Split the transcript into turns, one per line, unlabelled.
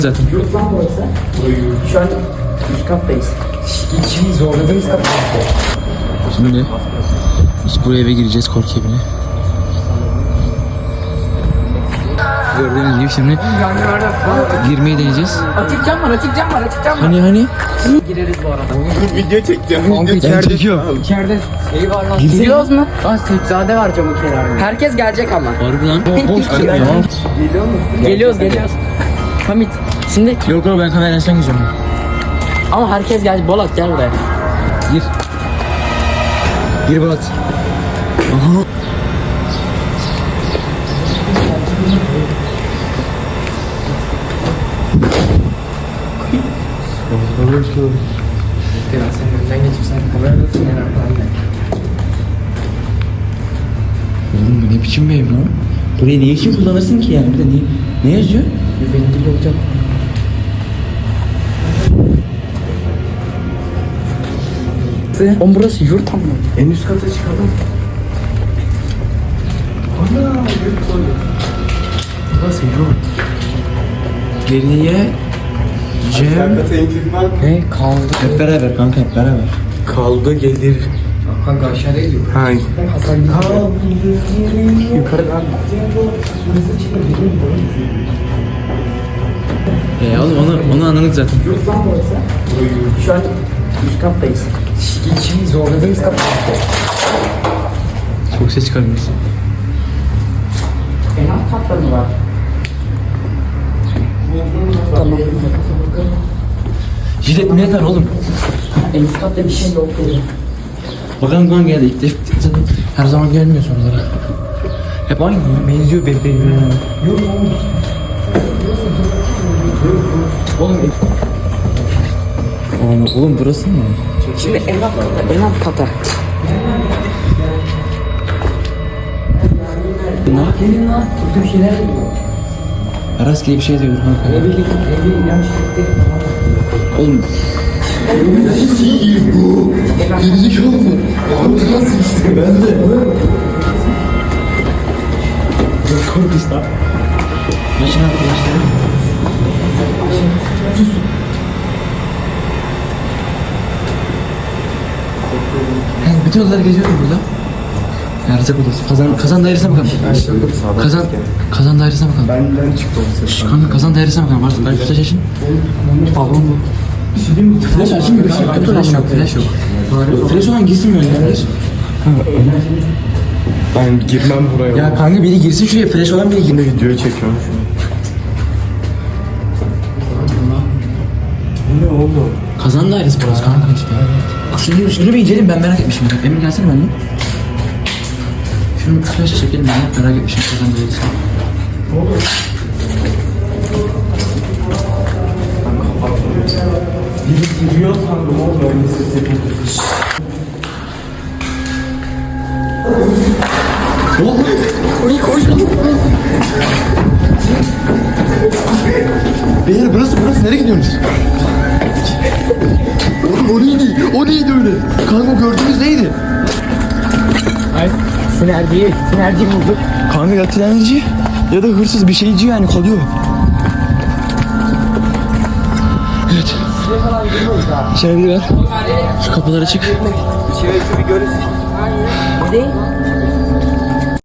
Zaten.
Yurt lan burası. Şu an üst kattayız. Şimdi zorladığımız kat.
Şimdi biz buraya eve gireceğiz, korku evine. Gördüğünüz gibi şimdi girmeyi deneyeceğiz.
Açık cam var, açık cam var, açık cam var.
Hani?
Gireriz bu arada.
Dur video çekeceğim.
Ben çekiyorum.
İçeride şey var lan. Giriyoruz mu? Aa seccade var camın kenarında. Herkes gelecek ama.
Harbi lan. Boş
Geliyor
ya.
Geliyoruz. Hamit. Şimdi
Yok ben kamerayla sen gireceğim.
ama herkes gelecek. Bolat gel buraya.
Gir. Gir Balat. Aha.
Sen önden geçirsen kamerada
Oğlum bu ne biçim bir ev lan? Burayı niye kim kullanırsın ki yani? Bir de ne yazıyor?
Güvenli olacak. Oğlum burası yurt ama.
En üst kata çıkalım. Ana yurt koydum.
Burası yurt. Geriye Cem.
Kata intikman.
Ne kaldı?
Hep beraber kanka, hep beraber.
Kaldı gelir.
Kanka aşağıya gidiyor.
Hay.
Yukarıdan.
Oğlum onu anladık zaten.
Yurt lan burası. Şu an üst kattayız. Şimdi zorladığımız kat.
Çok ses çıkarmıyorsun.
En alt katta mı var? Tamam.
Jilet ne yeter oğlum?
En üst katta bir şey yok dedi.
Bakalım kan geldi ilk defa. Zaten her zaman gelmiyor sorulara. Hep aynı ya. Benziyor birbirine.
Yok oğlum.
Oğlum burası mı?
Şimdi en alt kata.
Ne yapayım?
Gelin lan. Burada bir şeyler oluyor.
Rastgele bir şey diyor kanka.
Evlilik ilaç gitti.
Oğlum
Gerizekalı mı? Nasıl işte ben de.
korkuz lan. Yaşın arkadaşlarım. Bütün odalar geziyorum burada. Erzak odası. Kazan dairesine bakalım. Kazan dairesine bakalım.
Benden çıktı o ses.
Kanka kazan dairesine bakalım. Varsa ben flash açın. Balon bu. Flash açın mı? Flash yok. Flash yok. Flash olan girsin mi öyle?
Ben girmem buraya.
Ya kanka biri girsin şuraya. Flash olan biri girsin.
Video çekiyorum şu an. Bu ne oğlum?
Kazan dairesi burası kanka işte. Şunu bir inceleyin, ben merak etmişim. Emir gelsene benimle. Şunu bir flash çekelim, ben merak etmişim kazan dairesi.
Biri giriyor sandım oğlum öyle ses yapıyor.
Oğlum! Orayı koş lan!
Beyler burası nereye gidiyorsunuz? Oğlum o neydi öyle? Kanka gördüğünüz neydi?
Sinerjiyi bulduk.
Kanka ya trenci ya da hırsız bir şeyci yani kalıyor. Evet. İçeride var. Şu kapıları açık.
Değil.